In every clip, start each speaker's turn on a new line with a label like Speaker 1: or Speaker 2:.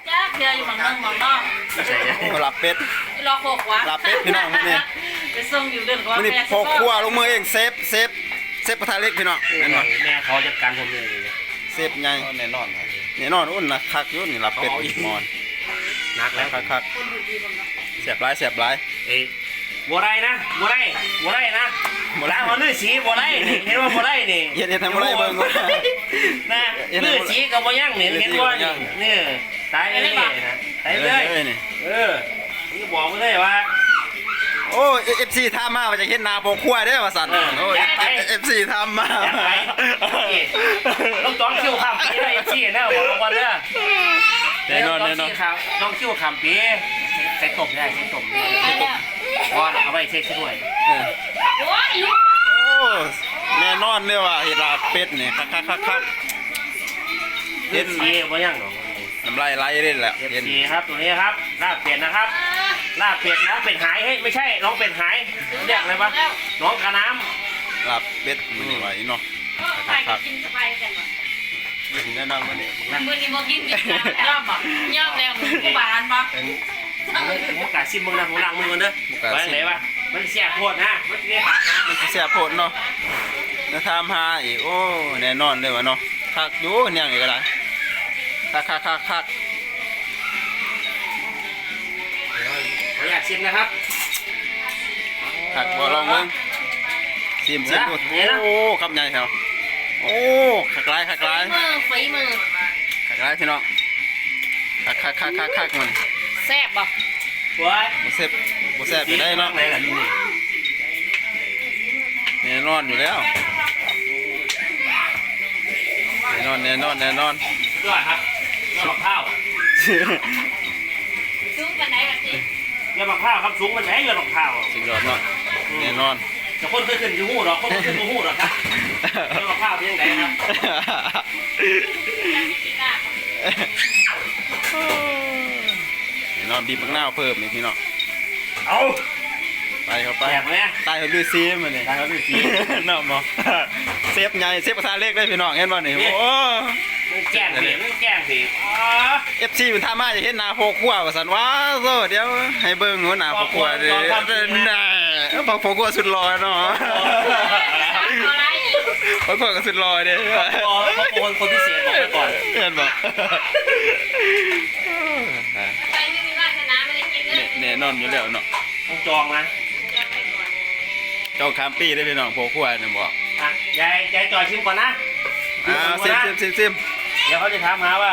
Speaker 1: จ้าเดี๋ยวอยู่หมองนอก
Speaker 2: ใช่ไง
Speaker 3: หลับเป็ด
Speaker 1: รอโคกวะ
Speaker 3: ลาเป็ดพี่น้องมื้อนี้
Speaker 1: ไปส่งอยู่เดือนกว่า
Speaker 3: มื้อนี้พกครัวลงมือเองเซฟกระทะเล็กพี่น้องแน่นอน
Speaker 2: แม่เขาจัดการผมเลย
Speaker 3: เซฟใหญ่
Speaker 4: แน่นอนครับ
Speaker 3: แน่นอนอุ่นนะคักอยู่นี่หลับเป็ดอีกมอน
Speaker 2: นักแล้ว
Speaker 3: คักแซ่บหลายแซ่บหลาย
Speaker 2: เอ้บัวไรนะบัวไรนะล้างมาลื่นสีบัวไรนี่เห็นว่าบัวไรนี่
Speaker 3: เฮ็ดทำอะไรเบิ่ง
Speaker 2: นะลื่นสีกับบัวย่างนี่เห็นว่านี่ตายเลยนี่นะตายเลยนี่บอกไปเลยว่า
Speaker 3: โอ้ FC ถามมาว่าจะเฮ็ดนาโปกครัวเด้อว่าซั่นโอ้ FC ถามมา
Speaker 2: แอบไปต้องจ้องคิ้วคำปีได้ชี้นะบอกวันเด้อ
Speaker 3: แน่นอน
Speaker 2: น้องคิ้วคำปีใส่ตบได้ใส่ตบก่อนเอาไปเช็คช่วย
Speaker 1: โอ้ยลูก
Speaker 3: โอ้แน่นอนเลยว่าเฮ็ดลาบเป็ดนี่คัก
Speaker 2: เห็นสีบ่ยังหรอ
Speaker 3: น้ำลายไหลเลยแหละ
Speaker 2: เห็นสีครับตัวนี้ครับลาบเป็ดนะครับลาบเป็ดนะเป็ดหายเฮ้ยไม่ใช่น้องเป็ดหายเรียกอะไรวะน้องกระน้ำ
Speaker 3: ลาบเป็ดมื้อนี้ไหวเนาะ
Speaker 1: ไปกินสบายกันวะ
Speaker 3: แน่นอนมื้อนี้
Speaker 1: มื้อนี้บ่กินย่อมบ่ย่อมแล้วกูบานบ่
Speaker 2: ผมกะซิมมึงนะผมล้างมือกันเด้อไว้ไหนวะมันเสียโคตรนะมันเสียขาดนะ
Speaker 3: มันเสียโพดเนาะแล้วถามหาอีกโอ้แน่นอนเลยว่ะเนาะคักอยู่เนี่ยอีกก็ได้คัก
Speaker 2: ผมอยากชิมนะครับ
Speaker 3: คักบ่ลองเบิ่งซิมดูโอ้คำใหญ่แถวโอ้คักหลาย
Speaker 1: ฝีมือ
Speaker 3: คักหลายพี่น้องคักมัน
Speaker 1: แซ่บบ่
Speaker 2: ว้าย
Speaker 3: บ่แซ่บไปได้เนาะ
Speaker 2: ไหนล่ะนี่
Speaker 3: แน่นอนอยู่แล้วแน่นอน
Speaker 2: ยอดครับยอดมะพร้าว
Speaker 1: ซุ้มกันไหนล่ะสิ
Speaker 2: ยอดมะพร้าวครับสูงมันไหนยอดมะพร้าว
Speaker 3: สุดยอดเนาะแน่นอน
Speaker 2: แต่คนเคยขึ้นอยู่หูหรอคนขึ้นอยู่หูหรอครับยอดมะพร้าวเป็นยังไงครับ
Speaker 3: แน่นอนบีบมะนาวเพิ่มอีกพี่น้อง
Speaker 2: เอา
Speaker 3: ไปเข้าไป
Speaker 2: แจกไหม
Speaker 3: ตายเขาดูซีมันนี่
Speaker 2: ได้ครับพี่สี
Speaker 3: น้ำบ่เซฟใหญ่เซฟกระทะเล็กเลยพี่น้องเห็นบ่นี่โอ้
Speaker 2: แจ้งสิแจ้งสิอ๋อ
Speaker 3: FC มันทำมาจะเห็นหน้าโพกขัวว่าซั่นว้าโซเดี๋ยวให้เบิ่งหัวหน้าโพกขัวเด้น่ะโพกขัวสุดหล่อเนาะ
Speaker 1: อะไร
Speaker 3: โพกขัวก็สุดหล่อเด้
Speaker 2: คนพิเศษบอกไปก่อน
Speaker 3: เห็นบ่
Speaker 1: ไปไม่มีวาสนาไม่ได้กินเลย
Speaker 3: แน่นอนอยู่แล้วเนาะ
Speaker 2: ต้องจองนะ
Speaker 3: เจ้าคามปี้ได้พี่น้องโพกขัวเนี่ยบอก
Speaker 2: อ่ะยายจอยชิมก่อนนะ
Speaker 3: ซิม
Speaker 2: เดี๋ยวเขาจะถามหาว่า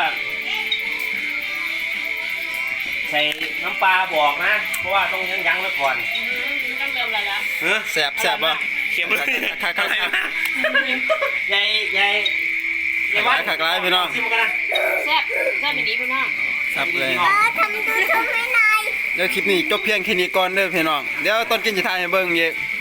Speaker 2: ใส่น้ำปลาบอกนะ เพราะว่าต้องยั้งไว้ก่อน
Speaker 1: ต้องเริ่มแล้ว
Speaker 3: แซ่บบ่
Speaker 2: เค็มเลย
Speaker 3: คัก
Speaker 2: ยายว่า
Speaker 3: คักหลายพี่น้อง
Speaker 2: ชิมกันนะ
Speaker 1: แซ่บไม่ดีพี่น้อง
Speaker 3: ครับเลย
Speaker 5: ทำดูชมให้หน่อย
Speaker 3: เดี๋ยวคลิปนี้จบเพียงแค่นี้ก่อนเด้อพี่น้องเดี๋ยวตอนกินจะถ่ายให้เบิ่งอีก